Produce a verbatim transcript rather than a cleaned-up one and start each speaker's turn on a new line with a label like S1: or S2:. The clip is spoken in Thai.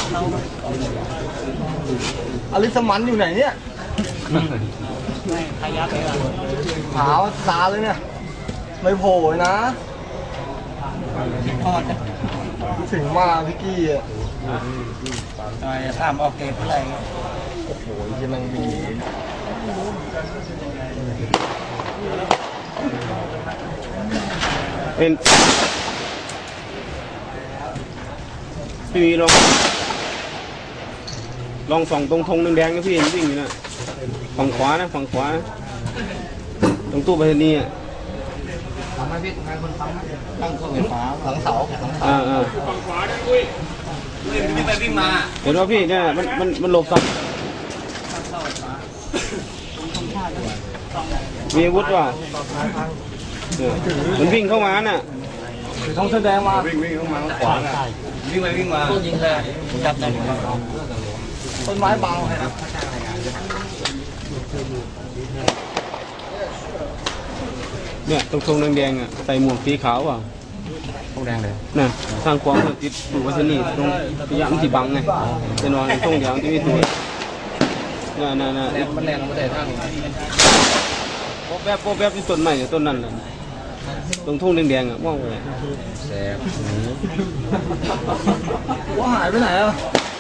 S1: อลิสมันอยู่ไหนเนี่ย
S2: ขยับเลย
S1: ขาวตาเลยเนี่ยไม่โผล่นะถึงมาพี่กี้อ่ะ
S2: ทำออกเกตอะไร
S1: โอ้โหยังมันมี
S3: เป็นพี่มีลองลองส่องตรงธงแดงๆนะพี่วิ่งอยู่นะฝั่งขวานะฝั่งขวานะตรงตู้ไปรษณีย์อ่ะ
S2: ทำให้พี่ทำคนทำตั้งเครื่องไฟฟ้าหลังเสาหลังเสา
S3: ฝั่งขวานะคุยวิ่งไปวิ่งมาเห็นว่าพี่เนี่ยมันมันมันหลบสับมีอาวุธว่ะมันวิ่งเข้ามาน่ะ
S1: ต้องแสดงมา
S3: วิ่งวิ่งเข้ามาขวาน่ะวิ่งไปวิ่งมา
S2: ต้นยิงเลยจับได้
S1: ต้นไม้บังครับ
S3: เนี่ยตรงธงแดงๆอ่ะใส่หมวกสีขาวว่ะ
S2: ธงแดงเลย
S3: น่ะสร้างความติดอยู่วัฒนีตรงพยายามที่บังไงจะนอนตรงอย่างที่ไม่ถูกน่ะน่ะน่ะ
S2: มันแรงมันแต่ท่าน
S3: โป๊ะแบบโป๊ะแบบที่ต้นใหม่ต้นนั้นแหละตรงทุ่งแดงๆอ่ะมองไป
S2: แสบ
S1: ว่าหายไปไหนอ่ะ